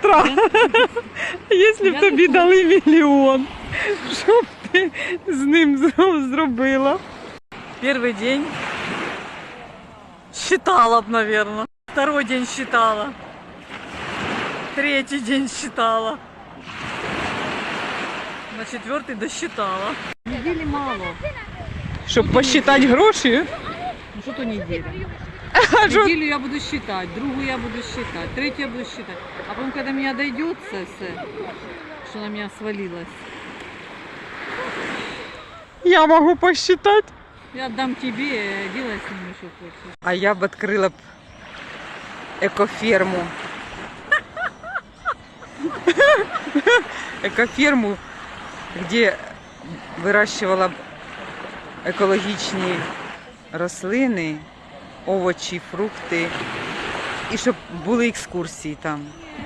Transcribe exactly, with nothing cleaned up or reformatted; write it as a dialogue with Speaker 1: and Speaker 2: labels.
Speaker 1: завтра, якщо б тобі дали мільйон, що б ти з ним зробила? Перший день считала б, наверное. Второй день считала. Третий день считала. На четвертый досчитала.
Speaker 2: Недели мало.
Speaker 1: Щоб посчитати гроші?
Speaker 2: Ну что то неделя.
Speaker 1: А що?
Speaker 2: Неделю я буду считать, другую я буду считать, третью я буду считать. А потом, когда меня дойдется все, что на меня свалилось,
Speaker 1: Я можу посчитати.
Speaker 2: я отдам тебе, делай с ними, что хочешь.
Speaker 1: А я б відкрила б екоферму. Екоферму, де вирощувала б екологічні рослини, овочі, фрукти. І щоб були екскурсії там.